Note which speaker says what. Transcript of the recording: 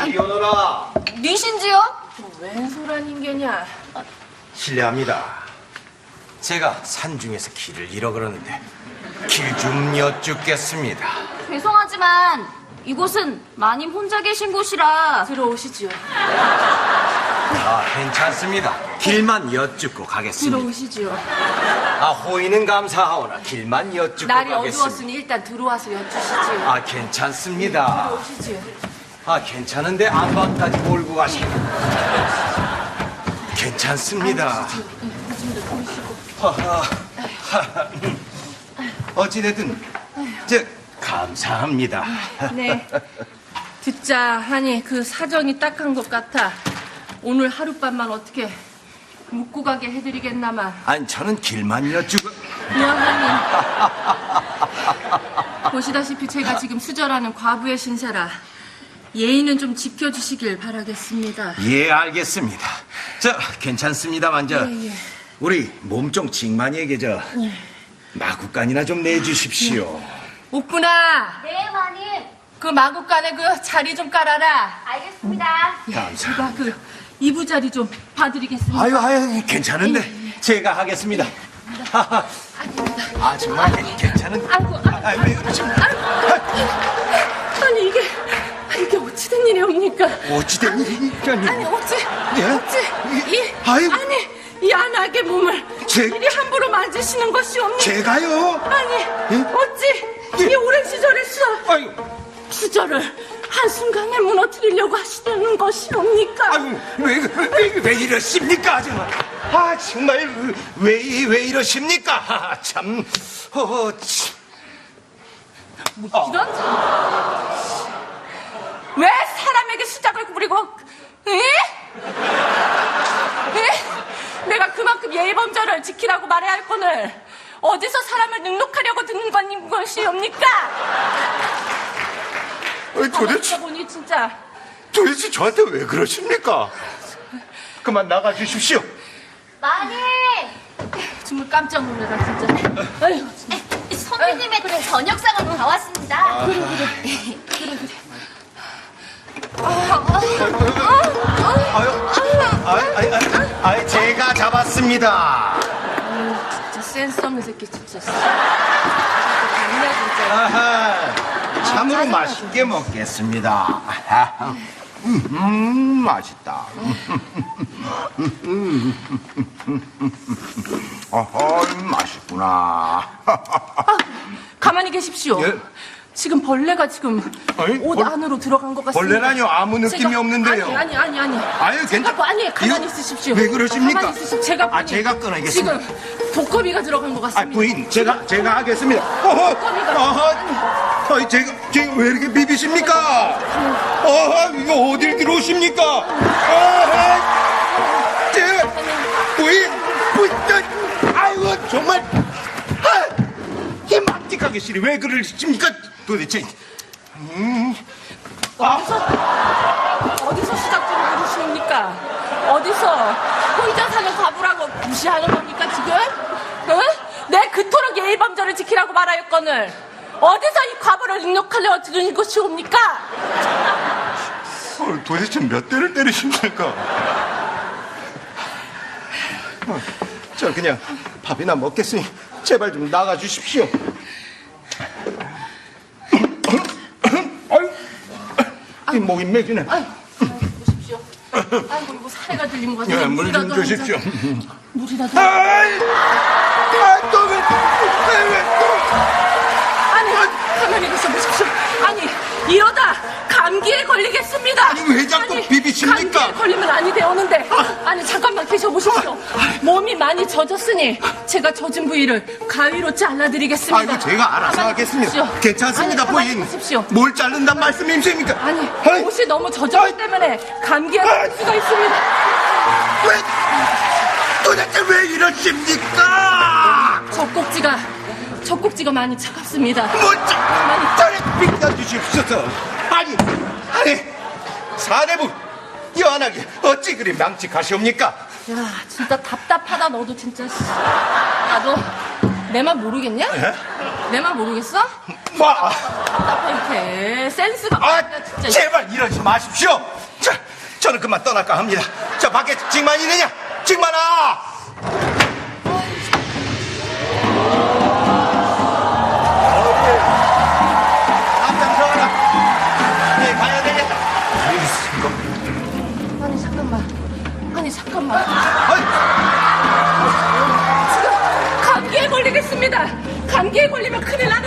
Speaker 1: 이리 오너라.
Speaker 2: 니신지요?
Speaker 3: 웬 소란 인개냐?
Speaker 1: 실례합니다. 제가 산중에서 길을 잃어 그러는데 길 좀 여쭙겠습니다.
Speaker 2: 죄송하지만 이곳은 마님 혼자 계신 곳이라.
Speaker 3: 들어오시지요.
Speaker 1: 아, 괜찮습니다. 길만 여쭙고 가겠습니다.
Speaker 3: 들어오시지요.
Speaker 1: 아, 호의는 감사하오나 길만 여쭙고
Speaker 3: 날이
Speaker 1: 가겠습니다.
Speaker 3: 어두웠으니 일단 들어와서 여쭈시지요.
Speaker 1: 아, 괜찮습니다.
Speaker 3: 들어오시지요.
Speaker 1: 아, 괜찮은데 안방까지 몰고 가시면 괜찮습니다.
Speaker 3: 요즘도 보이시고.
Speaker 1: 어찌됐든 감사합니다.
Speaker 3: 네. 듣자 하니 그 사정이 딱한 것 같아. 오늘 하룻밤만 어떻게 묵고 가게 해드리겠나마.
Speaker 1: 아니, 저는 길만 여쭈고.
Speaker 3: 미안하니. 보시다시피 제가 지금 수절하는 과부의 신세라 예의는 좀 지켜주시길 바라겠습니다.
Speaker 1: 예, 알겠습니다. 괜찮습니다만
Speaker 3: 예.
Speaker 1: 우리 몸종 징만이에게 마구간이나 좀 내주십시오.
Speaker 3: 옥분아,
Speaker 2: 네, 마님.
Speaker 3: 그 마구간에 그 자리 좀 깔아라.
Speaker 2: 알겠습니다.
Speaker 1: 감사합니다.
Speaker 3: 제가 그 이부자리 좀 봐드리겠습니다.
Speaker 1: 아유, 괜찮은데 제가 하겠습니다. 아, 정말 괜찮은.
Speaker 3: 아이고,
Speaker 1: 왜 그러십니까?
Speaker 3: 아니 이게 어찌된 일이옵니까?
Speaker 1: 어찌된 일이니까요?
Speaker 3: 아니 어찌
Speaker 1: 예? 아이고.
Speaker 3: 이 안하게 몸을 이리 함부로 만지시는 것이옵니까?
Speaker 1: 제가요?
Speaker 3: 아니
Speaker 1: 예?
Speaker 3: 어찌 이 오랜 시절에서
Speaker 1: 아유,
Speaker 3: 수저를 한순간에 무너뜨리려고 하시는 것이옵니까?
Speaker 1: 아유, 왜 이러십니까, 정말? 아, 정말 왜 이러십니까? 참, 참.
Speaker 3: 이런 왜 사람에게 수작을 부리고 에? 내가 그만큼 예의범절을 지키라고 말해야 할 거늘 어디서 사람을 능욕하려고 듣는 것이옵니까?
Speaker 1: 도대체
Speaker 3: 보니 진짜
Speaker 1: 저한테 왜 그러십니까? 그만 나가 주십시오.
Speaker 2: 마님!
Speaker 3: 정말 깜짝 놀래라 진짜. 아유,
Speaker 2: 선배님의 저녁상은 다 왔습니다.
Speaker 1: 아유, 제가 잡았습니다.
Speaker 3: 진짜 센스 없는 새끼 진짜. 아니야 진짜.
Speaker 1: 아하, 참으로 맛있게 먹겠습니다. 맛있다. 맛있구나.
Speaker 3: 가만히 계십시오.
Speaker 1: 예?
Speaker 3: 지금 벌레가 지금
Speaker 1: 아니,
Speaker 3: 옷 안으로 들어간 것 같습니다.
Speaker 1: 벌레라뇨? 아무 느낌이 없는데요.
Speaker 3: 아니.
Speaker 1: 아유, 괜찮.
Speaker 3: 아니, 가만히
Speaker 1: 이거
Speaker 3: 있으십시오.
Speaker 1: 왜 그러십니까?
Speaker 3: 가만히 있으십시오. 제가 보니
Speaker 1: 제가 끊어야겠습니다.
Speaker 3: 지금 독거미가 들어간 것 같습니다.
Speaker 1: 부인, 제가 하겠습니다. 제가 왜 이렇게 비비십니까? 이거 어딜 들어오십니까? 부인, 아이고, 정말. 이 막직하게 싫이 왜 그러십니까? 도대체.
Speaker 3: 어디서 수작질을 부르시옵니까? 어디서 혼자 사는 과부라고 무시하는 겁니까 지금? 응? 내 그토록 예의범절을 지키라고 말하였거늘 어디서 이 과부를 능욕하려고 들으는 것이옵니까?
Speaker 1: 도대체 몇 대를 때리십니까? 저 그냥 밥이나 먹겠으니 제발 좀 나가 주십시오. 이 목이 맥이네.
Speaker 3: 보십시오. 아이고 이거 사례가 들린 것 같아요.
Speaker 1: 물 좀 주십시오.
Speaker 3: 물이라도.
Speaker 1: 또 왜
Speaker 3: 아니 가만히 계셔 보십시오. 아니 이러다 감기에 걸리겠습니다.
Speaker 1: 아니, 왜 자꾸 비비십니까?
Speaker 3: 감기에 걸리면 아니 되었는데. 아니 잠깐만 계셔 보십시오. 몸이 많이 젖었으니 제가 젖은 부위를 가위로 잘라드리겠습니다.
Speaker 1: 아이고, 제가 알아서
Speaker 3: 가만히
Speaker 1: 하겠습니다.
Speaker 3: 계십시오.
Speaker 1: 괜찮습니다,
Speaker 3: 아니, 가만히
Speaker 1: 부인.
Speaker 3: 계십시오.
Speaker 1: 뭘 자른단 말씀이십니까?
Speaker 3: 아니
Speaker 1: 아이.
Speaker 3: 옷이 너무 젖었기 때문에 감기에 걸릴 수가 있습니다.
Speaker 1: 도대체 왜 이러십니까?
Speaker 3: 젖꼭지가 많이 차갑습니다.
Speaker 1: 가만히 비켜주십시오. 아니, 사내부 여한하게 어찌 그리 망측하시옵니까?
Speaker 3: 야 진짜 답답하다 너도 진짜. 나도 내 맘 모르겠냐?
Speaker 1: 예?
Speaker 3: 내 맘 모르겠어?
Speaker 1: 뭐?
Speaker 3: 답답해. 센스가
Speaker 1: 아,
Speaker 3: 없냐, 진짜.
Speaker 1: 제발 이러지 마십시오. 자, 저는 그만 떠날까 합니다. 저 밖에 징만 있느냐? 징만아! 앞장서라. 네, 가야 되겠다.
Speaker 3: 아니, 잠깐만. 아니, 잠깐만.
Speaker 1: 아이,
Speaker 3: 지금 감기에 걸리겠습니다. 감기에 걸리면 큰일 나.